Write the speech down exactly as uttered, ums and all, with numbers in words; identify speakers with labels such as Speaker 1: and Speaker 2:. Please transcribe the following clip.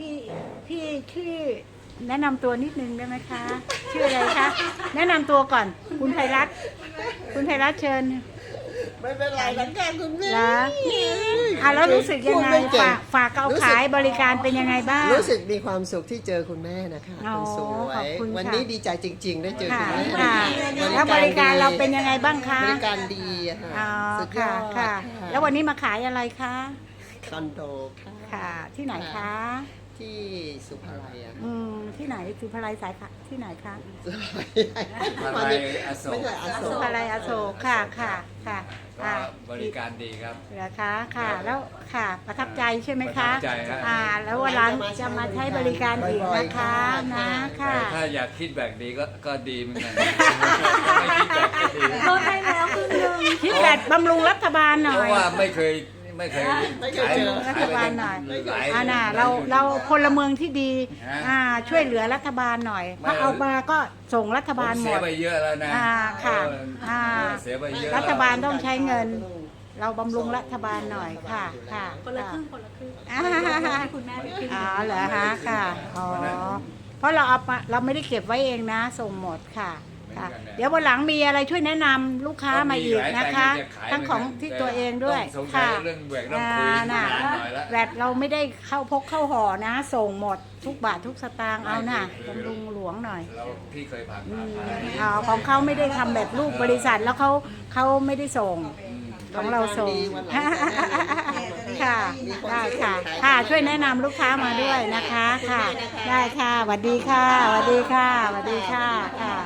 Speaker 1: พี่พี่ชื่อแนะนำตัวนิดนึงได้ไหมคะ ชื่ออะไรคะ แนะนำตัวก่อน คุณไพรัตน์คุณไพรัตน์เชิญ
Speaker 2: ไม่เป็นไรแล้วกันคุณแม่
Speaker 1: แล้วอ่ะแล้วรู้สึกยังไง
Speaker 2: พูดม่เก่
Speaker 1: ฝากฝากเอาขายบริการเป็นยังไงบ้าง
Speaker 2: รู้สึกมีความสุขที่เจอคุณแม่นะคะ
Speaker 1: อ๋อ
Speaker 2: คุณสว
Speaker 1: ขอบ
Speaker 2: ย
Speaker 1: คุณค่ะ
Speaker 2: วันนี้ดีใจจริง ๆ ได้เจอคุ
Speaker 1: ค่ะ
Speaker 2: ณแม่
Speaker 1: ค่ะแล้วบริการเราเป็นยังไงบ้างคะ
Speaker 2: บริการดีอะค่ะ
Speaker 1: อ๋อ
Speaker 2: สุดย
Speaker 1: ค่ะ
Speaker 2: อด
Speaker 1: ค่ะ แล้ววันนี้มาขายอะไรคะ
Speaker 2: คอนโดค่ะ
Speaker 1: ค่ะ ที่ไหนคะ
Speaker 2: ที่สุภาลัยอะ
Speaker 1: อืมที่ไหนสุภาลัยสายค่ะที่ไหนคะ
Speaker 2: สุภาลัย
Speaker 3: สุภาลัยอโศก
Speaker 2: ไม่ใช่อโศ
Speaker 1: สุ
Speaker 2: ก
Speaker 1: ภาลัยอโศกค่ะค่ะค่ะ
Speaker 3: ก็
Speaker 1: อ่า
Speaker 3: บริการดีครับ
Speaker 1: เหรอคะค่ะ แล้วค่ะประทับใจใช่ไหมคะ
Speaker 3: ประทับใจครับ
Speaker 1: อ่า แล้ววันหลังจะมาใช้บริการอีกนะคะนะค่ะ
Speaker 3: แต่ถ้าอยากคิดแบบดีก็ก็ดีเหมือนกันไม่คิดแบบก็ดี
Speaker 1: ลดให้แล้วครึ่งนึงคิดแบบบำรุงรัฐบาลหน่
Speaker 3: เพ
Speaker 1: อย
Speaker 3: ราะว่าไม่เคยไม่เคย
Speaker 2: ไม่เคยเจอ
Speaker 1: รัฐบาลหน่อย
Speaker 3: หลาย
Speaker 1: อ่าน่ะเราเราพลเมืองที่ดี
Speaker 3: ฮะ
Speaker 1: อ่าช่วยเหลือรัฐบาลหน่อย
Speaker 3: ไม่
Speaker 1: ถ้าเอามาก็ส่งรัฐ
Speaker 3: ผม
Speaker 1: บาลหม
Speaker 3: เสีย
Speaker 1: ด
Speaker 3: ไปเยอะแล้วนะ
Speaker 1: อ่าค่ะ
Speaker 3: เออ
Speaker 1: อ่า
Speaker 3: เสียไปเยอะ
Speaker 1: รั
Speaker 3: แล้ว
Speaker 1: ฐบาลต้องใช้เงิน เราบำรุงรัฐบาลหน่อยค่ะค่ะ
Speaker 4: คนละครึ่งคนละครึ่ง
Speaker 1: อ่า
Speaker 4: ให้คุณแม่ไปครึ่ง
Speaker 1: อ๋อเหรอฮะค่ะอ๋อเพราะเราเอามาเราไม่ได้เก็บไว้เองนะ ส่งหมดค่ะค่ะ เดี๋ยววันหลังมีอะไรช่วยแนะนำลูกค้ามาอีกนะคะ ทั้งของที่ตัวเองด้วย
Speaker 3: สงสัย
Speaker 1: ค่ะ
Speaker 3: เรื่องแหวกต้องคุย
Speaker 1: อ่า
Speaker 3: นา
Speaker 1: น่ะ
Speaker 3: นหน่อยละ
Speaker 1: แวดเราไม่ได้เข้าพกเข้าห่อนะ ส่งหมดทุกบาททุกสตางค์เอาน่ะบำรุงหลวงหน่อย
Speaker 3: เราพี่เคยผ่าน
Speaker 1: อื
Speaker 3: มาม ผ่านนี้
Speaker 1: อ๋อของเขาไม่ได้ทำแบบลูกบริษัทแล้วเขาเขาไม่ได้ส่ง
Speaker 3: อืม
Speaker 1: ของเราส่ง
Speaker 2: วันหลังจะแนะนำ
Speaker 1: ค่ะ
Speaker 2: มีวาม
Speaker 1: ได้
Speaker 2: สุข
Speaker 1: ค่ะ
Speaker 2: ขาย
Speaker 1: ค่ะ ช่วยแนะนำลูกค้ามาด้วยนะคะ ค่ะ ได้ค่ะสวัสดีค่ะสวัสดีค่ะสวัสดีค่ะ ค่ะ